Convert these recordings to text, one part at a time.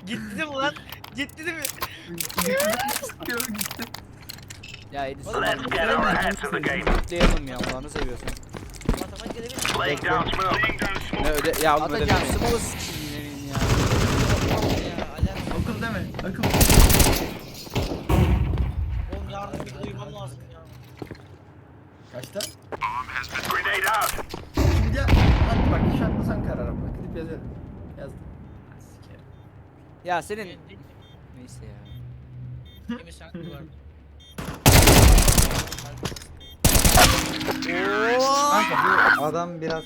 Gitti değil mi lan? Gitti değil mi? Gitti. Ya Edison Oğlum, kutlayalım ya Allah'ını seviyorsan. Matematik edebilir Laying down smoke. Ne öde ya oğlum Atacağım. ödemeyin. Smoke sikiyim ya. ya? Alem. Akıl deme. Akıl. Oğlum yarın bir uyumam lazım ya. Kaçta? Grenade out. Şimdi ya. Hadi bak iş atmasan karara bak. Gidip yazıyorum. Yazdım. Sikerim. Ya senin neyse ya. Emin sen var. Kanka bu adam biraz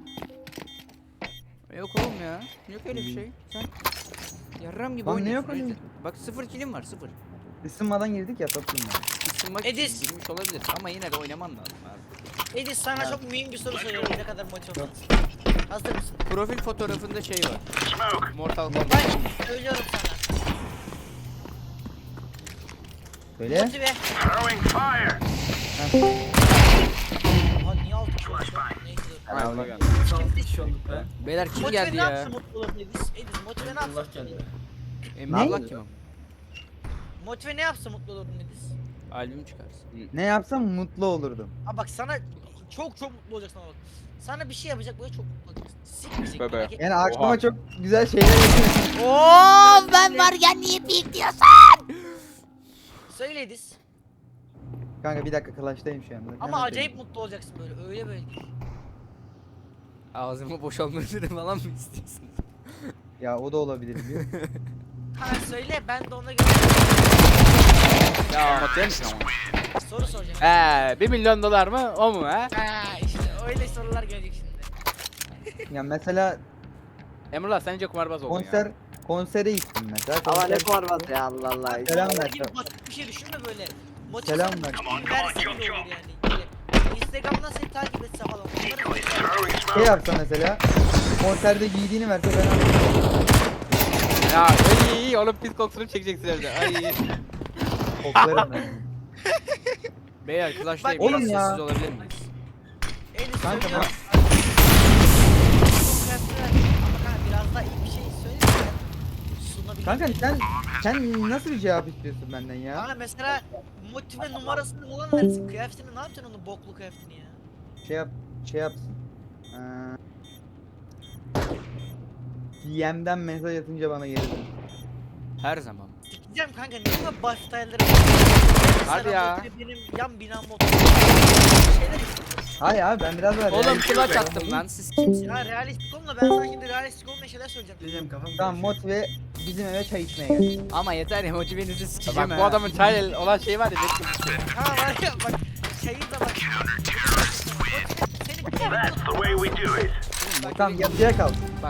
Yok oğlum ya. Yok öyle bir şey. Sen yarram gibi Lan ne oynuyorsun. yok öyle? Bak 0 kilim var 0. ısınmadan girdik ya toplumda. Isınmak Edis. için girmiş olabilir ama yine de oynaman lazım abi. Edis sana çok mühim bir soru soruyorum. Ne kadar motivasyon. Hazır mısın? Profil fotoğrafında şey var. Smoke. Mortal Kombat. Ben söylüyorum sana. Böyle. Motive. Throwing fire. Aha niye 6 kişi oldu? Neyse dur. Ha, Allah geldi. Sağlık kişi olduk be. Beyler kim Motive geldi ne ya? yapsın mutlu olur Edis? Edis motive ne Allah yapsın? geldi. Emre Ne? Allah kim o? Motive ne yapsın mutlu olurdun Edis? Albüm çıkarsın. Ne yapsam mutlu olurdum. Aa bak sana çok mutlu olacaksın ama bak. Sana bir şey yapacak böyle çok mutlu olacaksın. Sikmeyecek Bebe. merak etme. Yani aklıma çok güzel şeyler geliyor. Oo ben varken niye pik diyorsun? Söyle Edis. Kanka bir dakika Clash'tayım şu anda. Ama Hemen acayip söyleyeyim. mutlu olacaksın böyle öyle böyle değil. Ağzımı boşalmasını falan mı istiyorsun? Ya o da olabilir biliyor musun? Ha söyle ben de ona göre Ya anlatayım mısın ama? soru soracağım. 1 milyon dolar mı o mu ha? Ha işte öyle sorular gelecek şimdi. Ya mesela Emrullah sence kumarbaz oldun ya. konsere gittim mesela. Ama ne Konser- format ya Allah Allah. Selam Ama ver. gibi basit bir şey düşünme böyle. Selam Motivasyon ver. verse bile olur yani. Böyle Instagram'dan seni takip etse falan. Onları Throwing Şey smoke. yapsa mesela konserde giydiğini verse ben alırım. Ya iyi oğlum pis kokusunu çekeceksin evde. Ay. Koklarım ben. Beyler Clash'tayım. Bak, Biraz oğlum ya. sessiz olabilir miyiz? Elis Kanka söylüyorum. Ama kanka biraz daha iyi bir şey söyle. Sunabilirim. Kanka sen nasıl bir cevap istiyorsun benden ya? Kanka mesela motive numarasını falan versin. Kıyafetini ne yapacaksın onun boklu kıyafetini ya? Şey yapsın. DM'den mesaj atınca bana geri dön. Her zaman. Sikeceğim kanka niye bu baş style'ları Hadi ya. Benim yan binam motor. Şeyler Hayır abi ben biraz daha Oğlum realistik clutch olayım. attım lan siz kimsiniz? ya realistik olma ben sana şimdi realistik olmayan şeyler söyleyeceğim. Diyeceğim kafam Tamam karışıyor. motive bizim eve çay içmeye gel. Ama yeter ya motivenizi sikeceğim Bak bu adamın çay olan şeyi var ya. Ha var ya bak şeyi de bak. Seni bir kere That's the way we do it. Tamam yatıya kal. Bak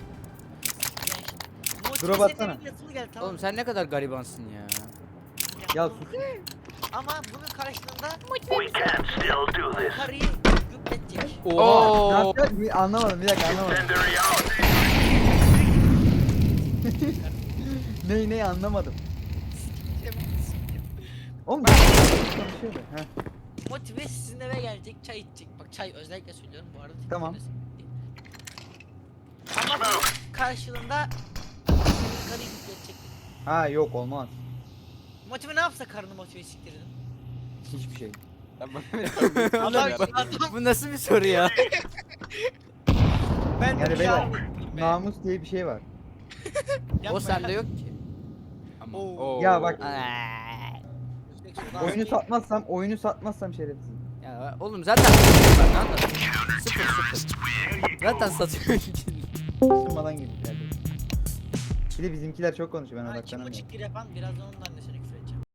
Drop atsana. Yatılı gel tamam. oğlum sen ne kadar garibansın ya. Ya sus. Ama bunun karşılığında We can still do this. karıyı yükletecek. Ne Oo. yapacak? Anlamadım bir dakika anlamadım. Incendiary out. Ne anlamadım. Oğlum ben konuşuyorum. Heh. Motive sizin eve gelecek çay içecek. Bak çay özellikle söylüyorum bu arada. Tamam. Ama bunun karşılığında senin karıyı yükletecek. Ha yok olmaz. Motive ne yapsa karını motive siktirdin. Hiçbir şey. Adam, Bu nasıl bir soru ya? ben de Yani bir beyler şey namus diye bir şey var. O sende yok ki. Ama. Oo. Oo. Ya bak Oyunu oyunu satmazsam şerefsiz. Ya oğlum zaten bak anladın. 0. Zaten satıyor. Isınmadan girdik yani. Bir de bizimkiler çok konuşuyor ben Kim o odaklanamıyorum. çıktı yapan biraz da ondan da seni